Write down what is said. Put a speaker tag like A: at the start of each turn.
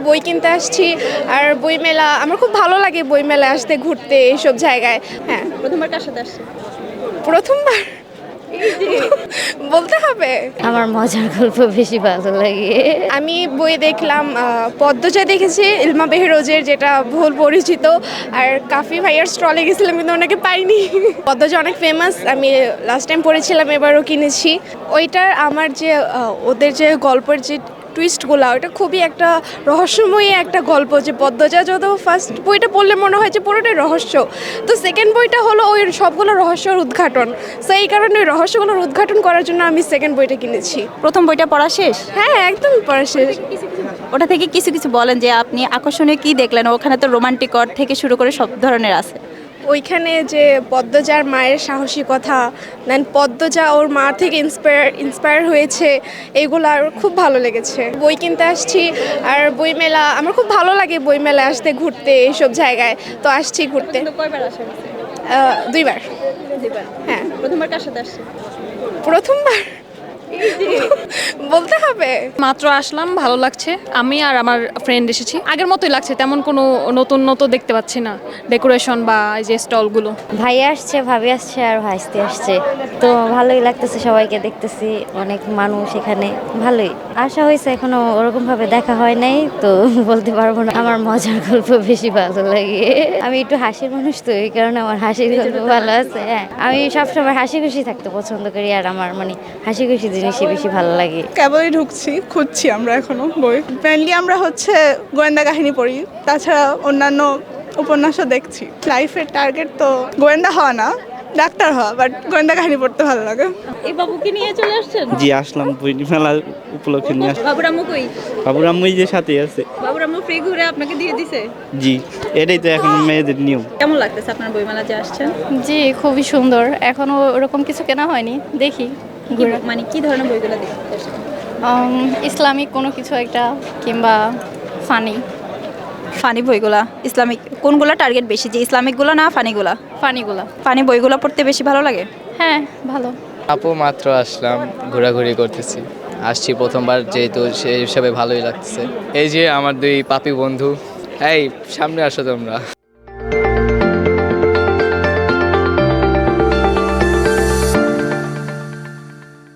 A: বই কিনতে আসছি। আর বই মেলা আমার খুব ভালো লাগে, বই মেলায় আসতে, ঘুরতে, এইসব জায়গায়। হ্যাঁ,
B: প্রথমবার কার সাথে আসছে?
A: প্রথমবার বলতে হবে।
C: আমার মজার গল্প বেশি ভালো লাগে।
A: আমি বই দেখলাম, পদ্মজা দেখেছি, ইলমা বেহরোজের, যেটা বহুল পরিচিত। আর কাফি ভাইয়ার স্টলে গেছিলাম কিন্তু ওনাকে পাইনি। পদ্মজা অনেক ফেমাস, আমি লাস্ট টাইম পড়েছিলাম, এবারও কিনেছি। ওইটার আমার যে ওদের যে গল্পের যে টুইস্টগুলো, ওটা খুবই একটা রহস্যময়ী একটা গল্প। যে পদ্মজা যত ফার্স্ট বইটা পড়লে মনে হয় যে পুরোটাই রহস্য, তো সেকেন্ড বইটা হলো ওই সবগুলো রহস্যর উদ্ঘাটন। সো এই কারণে ওই রহস্যগুলোর উদ্ঘাটন করার জন্য আমি সেকেন্ড বইটা কিনেছি।
B: প্রথম বইটা পড়া শেষ?
A: হ্যাঁ, একদম পড়া শেষ।
B: ওটা থেকে কিছু কিছু বলেন যে আপনি আকর্ষণীয় কি দেখলেন? ওখানে তো রোমান্টিক কর থেকে শুরু করে সব ধরনের আছে।
A: ওইখানে যে পদ্মজার মায়ের সাহসিকতা, দেন পদ্মজা ওর মা থেকে ইন্সপায়ার হয়েছে, এগুলো আর খুব ভালো লেগেছে। বই কিনতে আসছি, আর বই মেলা আমার খুব ভালো লাগে, বই মেলায় আসতে, ঘুরতে, এইসব জায়গায়। তো আসছি ঘুরতে।
B: কয়বার আসা হয়েছে?
A: 2বার। হ্যাঁ,
B: প্রথমবার কার সাথে আসছে?
A: প্রথমবার বলতে হবে।
D: মাত্র আসলাম, ভালো লাগছে। আমি আর আমার ফ্রেন্ড এসেছি, আগের মতোই লাগছে, তেমন কোনো নতুন দেখতে পাচ্ছি না, ডেকোরেশন বা এই যে স্টলগুলো।
C: ভাই আসছে, ভাবি আসছে আর ভাইস্তি আসছে, তো ভালোই লাগতেছে, সবাইকে দেখতেছি, অনেক মানুষ এখানে, ভালোই। আসা হয়েছে, এখনো ওরকম ভাবে দেখা হয় নাই, তো বলতে পারবো না। আমার মজার গল্প বেশি ভালো লাগে। আমি একটু হাসির মানুষ, তো এই কারণে আমার হাসির গল্প ভালো আছে। হ্যাঁ, আমি সবসময় হাসি খুশি থাকতে পছন্দ করি, আর আমার মানে হাসি খুশি জিনিসই বেশি ভালো লাগে।
E: কেবলই ঢুকছি, খুঁজছি আমরা এখনো বই। মেনলি আমরা গোয়েন্দা কাহিনী পড়ি, তাছাড়া অন্যান্য উপন্যাসও দেখছি। লাইফের টার্গেট তো গোয়েন্দা হওয়া না, ডাক্তার হওয়া, বাট গোয়েন্দা কাহিনী পড়তে ভালো লাগে।
B: এই বাবুকে নিয়ে চলে আসছেন?
F: জি, আসলাম বই মেলা উপলক্ষে নিয়ে আসলাম।
B: বাবুর আম্মু কই?
F: বাবুর আম্মুই যে সাথে আছে।
B: বাবুর আম্মু ফ্রি ঘুরে আপনাকে দিয়ে দিছে?
F: জি, এটাই তো এখন মেয়েদের নিয়ম।
B: কেমন লাগতেছে আপনার বইমেলা যে আসছেন?
G: জি, খুবই সুন্দর। এখনো ওরকম কিছু কেনা হয়নি, দেখি।
B: মানে কি ধরনের বইগুলো দেখতে আসছেন?
G: ইসলামিক কোনো কিছু একটা, কিংবা ফানি
B: ফানি বইগুলা। ইসলামিক কোনগুলো টার্গেট বেশি, যে ইসলামিকগুলো না ফানিগুলা?
G: ফানিগুলা।
B: ফানি বইগুলো পড়তে বেশি ভালো লাগে?
G: হ্যাঁ, ভালো।
H: আপু মাত্র আসলাম, ঘোরাঘুরি করতেছি। আসছি প্রথমবার, যেহেতু সেই হিসাবে ভালোই লাগতেছে। এই যে আমার দুই পাপি বন্ধু, এই সামনে আসো তোমরা।